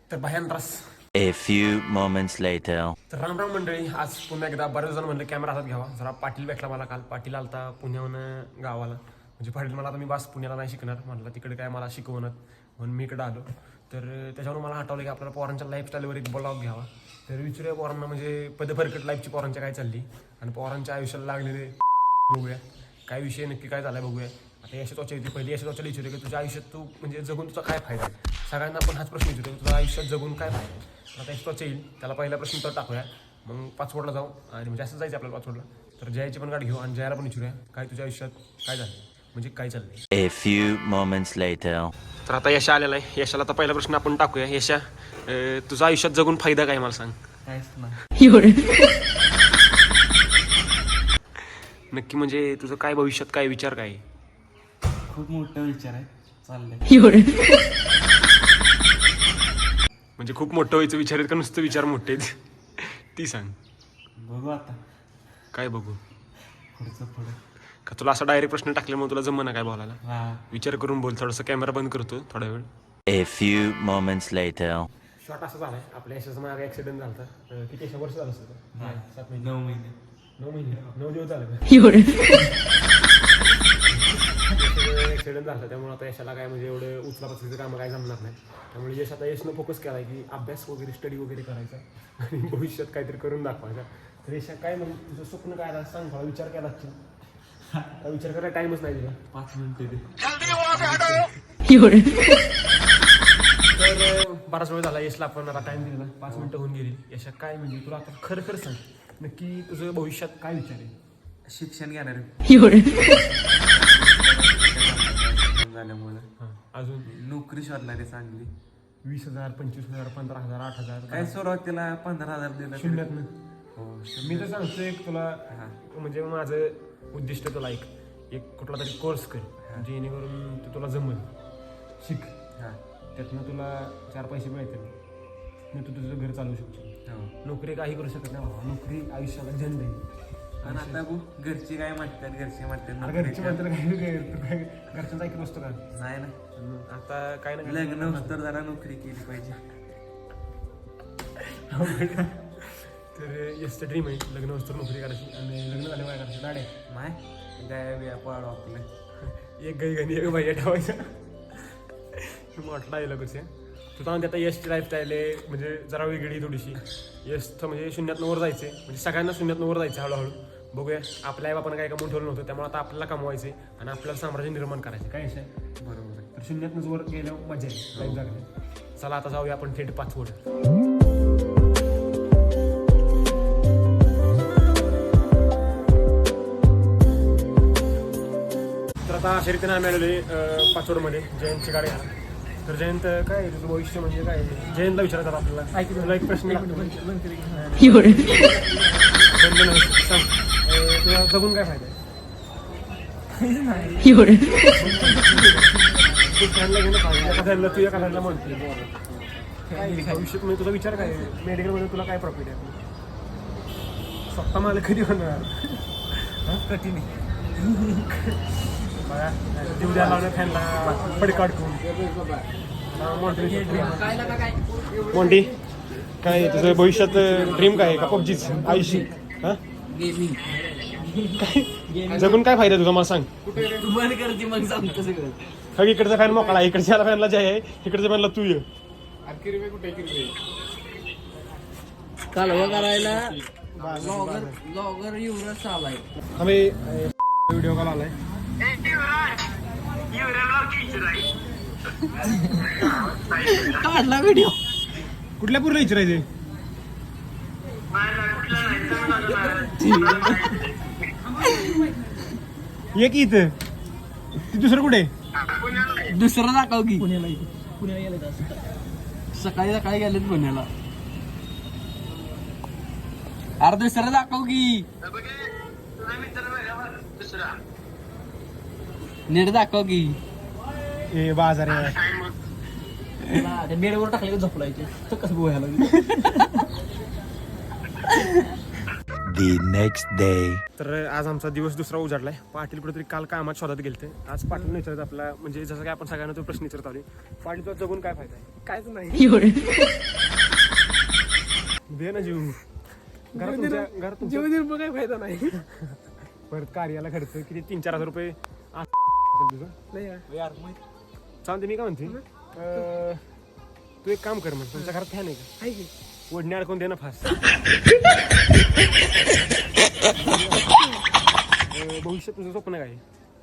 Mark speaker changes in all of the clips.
Speaker 1: तर भयांत्रास.
Speaker 2: A few moments later.
Speaker 1: तर राम राम मंडळी. आज पुन्हा एकदा बरेच जण म्हणलं कॅमेरा हातात घ्यावा. जरा पाटील भेटला मला काल. पाटील आलता पुण्याहून गावाला. म्हणजे पाटील मला आता मी बस पुण्याला नाही शिकणार म्हटलं, तिकडे काय मला शिकवणार म्हणून मी इकडे आलो. तर त्याच्यावरून मला आठवलं की आपल्याला पोरांच्या लाईफस्टाईलवर एक ब्लॉग घ्यावा. तर विचारूया पोरांना म्हणजे पदफरकट लाईफची पोरांच्या काय चालली आणि पोरांच्या आयुष्याला लागलेले बघूया काय विषय नक्की काय झालाय बघूया. आता यश त्वचा येते पहिली यश त्वचाला विचारूया की तुझ्या आयुष्यात तू म्हणजे जगून तुझा काय फायदा आहे. सगळ्यांना आपण हाच प्रश्न विचारतो, तुझ्या आयुष्यात जगून काय फायदा आहे. आता यश त्वचा येईल त्याला पहिला प्रश्न तर टाकूया, मग पाचवडला जाऊ आणि म्हणजे असं जायचं आपल्याला पाचवडला. तर जयाची पण गाडी घेऊ आणि जयाला पण विचारूया काय तुझ्या आयुष्यात काय झालं म्हणजे काय चाललंय.
Speaker 2: A few moments later.
Speaker 1: तर आता यशा आलेला आहे. यशाला आता पहिला प्रश्न आपण टाकूया. यशा, तुझा आयुष्यात जगून फायदा काय मला सांग. नक्की म्हणजे तुझं काय भविष्यात काय विचार काय.
Speaker 3: खूप मोठा विचार आहे चाललंय.
Speaker 1: म्हणजे खूप मोठं व्हायचं विचार आहेत का नुसतं विचार मोठे आहेत ती सांग.
Speaker 3: बघू आता
Speaker 1: काय बघू
Speaker 3: पुढचं पुढं.
Speaker 1: का तुला असा डायरेक्ट प्रश्न टाकल्यामुळे तुला जमना काय बोलायला.
Speaker 3: हा
Speaker 1: विचार करून बोल. थोडंसं कॅमेरा बंद करतो थोडा वेळ.
Speaker 2: A few moments later.
Speaker 1: Short असं झालाय आपल्या यशाचा मागे ऍक्सिडेंट झाला होता. किती यशा वर्ष झालं असतं. 7 महिने
Speaker 3: 9 महिने
Speaker 1: 9 महिने 9 दिवस झाले ऍक्सिडेंट झाला. त्यामुळे आता यशाला काय म्हणजे एवढं उचलापाचलीचं कामं काय जमणार नाही. त्यामुळे यश आता यशनं फोकस केलाय की अभ्यास वगैरे स्टडी वगैरे करायचा आणि भविष्यात काहीतरी करून दाखवायचा. तर यशा काय मग तुझं स्वप्न काय आता सांग. थोडा विचार केला विचार करायला टाइमच नाही दिला.
Speaker 3: 5 मिनिटं दे.
Speaker 1: तर बराच वेळ झाला यशला आपण आता टाइम दिला. 5 मिनिटं होऊन गेली. यशा काय म्हणजे तुला आता खरं खरं सांग नक्की तुझं भविष्यात काय विचार आहे.
Speaker 3: शिक्षण घेणार झाल्यामुळे
Speaker 1: अजून
Speaker 3: नोकरी शोधणार आहे चांगली.
Speaker 1: 20,000 25,000 15,000 8,000
Speaker 3: काय सुरुवातीला 15,000 दिलं तरी-
Speaker 1: शून्यातनं.
Speaker 3: हो
Speaker 1: मी तर सांगतो एक तुला
Speaker 3: हा.
Speaker 1: म्हणजे माझं उद्दिष्ट तुला एक कुठला तरी कोर्स कर जेणेकरून तू तुला जमल शिक.
Speaker 3: हा
Speaker 1: त्यातनं तुला 4 पैसे मिळतील मग तू तुझं घर चालवू शकतो.
Speaker 3: हो.
Speaker 1: नोकरी काही करू शकत नाही बाबा. नोकरी आयुष्याला झंड आहे.
Speaker 3: पण आता बघ घरची काय म्हणतात घरचे
Speaker 1: घरची
Speaker 3: म्हणतात
Speaker 1: म्हणतात काय घरच्यांचा ऐकत नसतो का.
Speaker 3: नाही ना.
Speaker 1: आता काय नाही
Speaker 3: लग्न होतं तर जरा नोकरी केली पाहिजे.
Speaker 1: तर यशचं ड्रीम आहे लग्न वस्तू नोकरी करायची आणि लग्न झाल्यावर काय करायचं दाडे
Speaker 3: माय गाय बिया पाडू आपलं.
Speaker 1: एक गाई गाणी एक बाई ठेवायचं मोठा आहे लगेच. तुझा म्हणजे आता यशची लाईफस्टाईल आहे म्हणजे जरा वेगळी थोडीशी. यशचं म्हणजे 0तनं वर जायचं म्हणजे सगळ्यांना 0तनं वर जायचं हळूहळू. बघूया आपल्या आई बापानं काय कमवून ठेवलं नव्हतं त्यामुळे आता आपल्याला कमवायचे आणि आपल्याला साम्राज्य निर्माण करायचं काय यश आहे.
Speaker 3: बरोबर आहे.
Speaker 1: तर 0तनंच वर गेल्यावर मजा आहे लाईफ जगणे. चला आता जाऊया आपण थेट पाचवड. तर आता शर्यतीनं आम्ही आलेलो पाचवडमध्ये जयंतची गाडी घाला. तर जयंत काय तुझं भविष्य म्हणजे काय जयंतला विचारायचं आपल्याला. तुला एक प्रश्न लागतो सांग तुला जगून काय फायदा आहे. तू फॅनला घेणं पाहिजे एका फॅनला तू एका फॅनला म्हणते काय भविष्यात म्हणजे तुझा विचार काय मेडिकलमध्ये तुला काय प्रॉफिट आहे. स्वतः मला कधी होणार कठीण बघा जीव द्यायला लावल्या फॅनला पडकाडकून. मोंटी काय तुझं भविष्यात ड्रीम काय आहे का पबजीच आयुष्य. हा काय जगून काय फायदा तुझा मला सांग. इकडचा फॅन मोकळा इकडच्या फॅनला जे आहे इकडच्या फॅनला तू ये.
Speaker 4: कालवा करायला ब्लॉगर युवराज आलाय.
Speaker 1: आम्ही व्हिडिओ कॉल आलाय.
Speaker 4: काढला व्हिडिओ
Speaker 1: कुठल्या पूर्ण विचारायचे. ये की इथं ती दुसरं कुठे
Speaker 4: दुसरं दाखव की पुण्याला गेले सकाळी सकाळी गेलेत पुण्याला. अरे दुसरं दाखव की नीट दाखव की.
Speaker 1: ए बाजार आहे.
Speaker 4: बेडवर टाकले झोपलायचे तर कसं बोलायला.
Speaker 2: The next day.
Speaker 1: तर आज आमचा दिवस दुसरा उजाडलाय. पाटील कुठेतरी काल कामात शोधात गेलते. आज पाटील विचारत आपला म्हणजे जसं काय आपण सगळ्यांना तो प्रश्न विचारत आलो. पाटील तुला जगून काय फायदा आहे?
Speaker 4: कायच नाही
Speaker 1: दे ना जीव. घरात
Speaker 4: जीव देऊन काय फायदा नाही.
Speaker 1: परत कार्याला खर्च किती 3-4 हजार रुपये तुझं
Speaker 4: नाही यार.
Speaker 1: चालते. मी काय म्हणते तू एक काम कर मग तुमच्या घरात फॅन आहे का?
Speaker 4: आहे की?
Speaker 1: ओढणी अडकून दे ना फास्ट. भविष्यात तुझं स्वप्न काय आहे?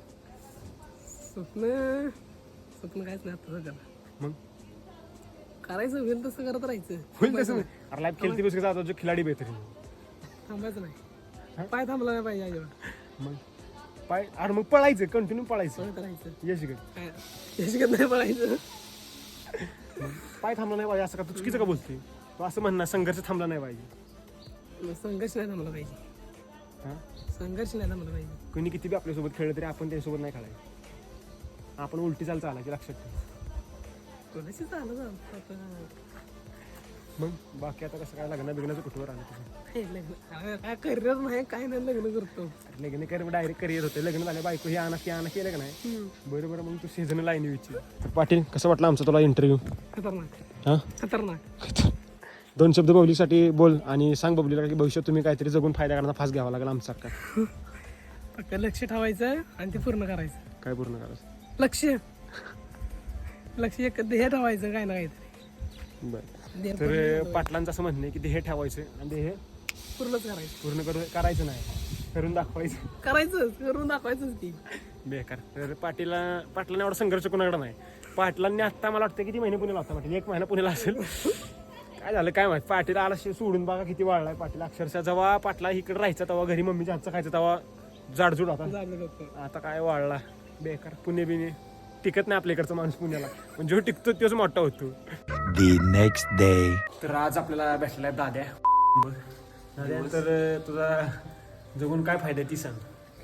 Speaker 4: स्वप्न कायच नाही आता सध्याला.
Speaker 1: मग
Speaker 4: करायचं होईल तसं करत राहायचं.
Speaker 1: होईल तसं अरे लाईफ खेळती बस जातो जो खिलाडी बेहतरीन.
Speaker 4: थांबायचं नाही. पाय थांबला नाही पाहिजे अजिबात.
Speaker 1: मग पाय अरे मग पळायचं कंटिन्यू पळायचं.
Speaker 4: पळत राहायचं.
Speaker 1: यश
Speaker 4: काय याच्यात नाही पळायचं.
Speaker 1: पाय थांबला नाही पाहिजे असं का तू चुकीचं का बोलते? तू असं म्हणणार संघर्ष थांबला नाही पाहिजे.
Speaker 4: संघर्ष नाही थांबला पाहिजे.
Speaker 1: हा
Speaker 4: संघर्ष नाही थांबला पाहिजे.
Speaker 1: कोणी किती बी आपल्यासोबत खेळलं तरी आपण त्याच्यासोबत नाही खेळायचं. आपण उलटी चालायची लक्षात ठेव.
Speaker 4: कोणाशी चालू आता
Speaker 1: मग बाकी आता कसं काय लग्न बिग्नाचं कुठवर आलं तुझं?
Speaker 4: काय करिअर नाही काय नाही लग्न करतो.
Speaker 1: लग्न कर डायरेक्ट करिअर होते. लग्न झालं बायको हे आणा की आणा केलं का नाही? बरोबर. मग तू सीझन लाईन विचार. तर पाटील कसं वाटलं आमचा तुला इंटरव्ह्यू?
Speaker 4: खतरनाक
Speaker 1: हा
Speaker 4: खतरनाक.
Speaker 1: 2 शब्द बबलीसाठी बोल आणि सांग बबलीला की भविष्यात तुम्ही काहीतरी जगून फायदा करण्याचा फास घ्यावा लागेल आमच्यासारखा.
Speaker 4: फक्त लक्ष ठेवायचं आणि ते पूर्ण करायचं.
Speaker 1: काय पूर्ण करायचं?
Speaker 4: लक्ष एक ध्येय ठेवायचं काय ना काहीतरी.
Speaker 1: बरं.
Speaker 4: ध्येय
Speaker 1: तर पाटलांचं असं म्हणणं आहे की ध्येय ठेवायचं आणि ध्येय
Speaker 4: पूर्णच करायचं.
Speaker 1: पूर्ण करायचं नाही, करून दाखवायचं.
Speaker 4: करायचं करून दाखवायचंच की.
Speaker 1: बेकार. तर पाटलांनी एवढा संघर्ष कोणाकडे नाही. पाटलांनी आत्ता मला वाटतं किती महिने पुण्याला होता. पाटील 1 महिना पुण्याला असेल. काय झालं काय माहिती. पाटील आला सोडून बघा किती वाढलाय पाटील. अक्षरशः जेव्हा पाटला इकडे राहायचा तेव्हा घरी मम्मीच्या हातचं खायचं तेव्हा जाडजूड होता.
Speaker 4: झालं डोकं.
Speaker 1: आता काय वाढला बेकार. पुणे बिणे टिकत नाही आपल्या इकडचा माणूस पुण्याला. म्हणजे जो टिकतो तोच मोठा होतो.
Speaker 2: The next day.
Speaker 1: तर आज आपल्याला भेटलाय दाद्या. दाद्या तर तुझा जगून काय फायदा आहे ती सांग.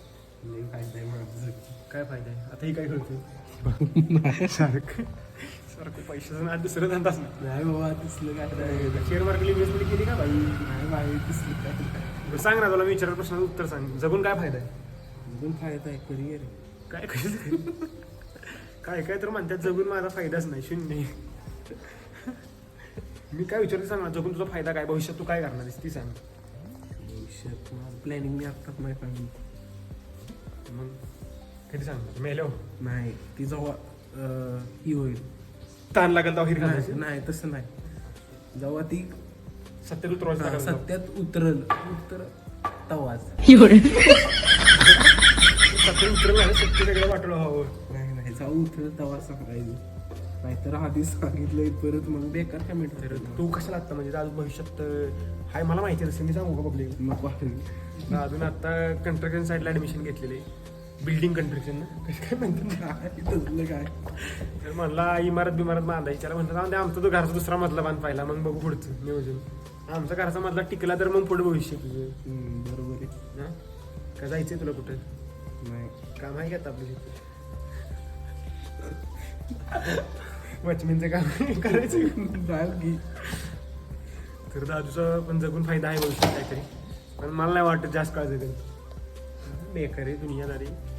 Speaker 1: काय फायदा आहे? आता ही काय करतो सारखं पैशाचं आज दुसरं धंदाच
Speaker 3: नाही बाबा तसलं काय नाही.
Speaker 1: शेअर मार्केट इन्व्हेस्टमेंट केली का बाई?
Speaker 3: नाही बाई तसलं काय.
Speaker 1: बरं सांग ना. तुला मी विचारलं प्रश्नाचं उत्तर सांग. जगून काय फायदा आहे?
Speaker 3: अजून फायदा आहे करिअर.
Speaker 1: काय काय काय तर म्हणतात जगून माझा फायदाच नाही, शून्य. मी काय विचारते सांग ना. जगून तुझा फायदा काय? भविष्यात तू काय करणार आहेस ती सांग.
Speaker 3: भविष्यात प्लॅनिंग मी आत्ताच नाही काढली.
Speaker 1: मग कधी सांगणार? मेलो
Speaker 3: नाही ती जेव्हा ही होईल.
Speaker 1: ताण लागेल तेव्हा हिरकत
Speaker 3: नाही तसं नाही. जेव्हा ती
Speaker 1: सत्यात उतरवायचं लागेल तेव्हा.
Speaker 3: सत्यात उतर तवाच.
Speaker 1: सत्यात उतरलं नाही, सत्य वेगळं वाटलं हवं.
Speaker 3: नाही जेव्हा उतरल तेव्हा सांगायचं. नाहीतर आधी सांगितलंय परत मग बेकार कमेंट.
Speaker 1: तर तू कशाला लागतं म्हणजे आज भविष्यात हाय मला माहिती आहे. मी सांगू का पब्लिक?
Speaker 3: नको
Speaker 1: अजून आता कंस्ट्रक्शन साईडला ऍडमिशन घेतलेली. बिल्डिंग कंस्ट्रक्शन ना कसं काय म्हणतात
Speaker 3: तसलं काय.
Speaker 1: तर म्हणला इमारत बांधायची. त्याला म्हणतात आमचा तो घराचा दुसरा मधला बांध पाहिला मग बघू पुढचं नियोजन. आमचा घराचा मधला टिकला तर मग पुढे भविष्य तुझं.
Speaker 3: बरोबर आहे.
Speaker 1: हा का जायचंय तुला कुठं?
Speaker 3: नाही
Speaker 1: काम आहे का आपलं? वॉचमॅनचं काम करायचं.
Speaker 3: जाईल की.
Speaker 1: तर दादूचा पण जगून फायदा आहे भविष्यात काहीतरी. पण मला नाही वाटत जास्त काळजी करेल. बेकार आहे दुनियादारी.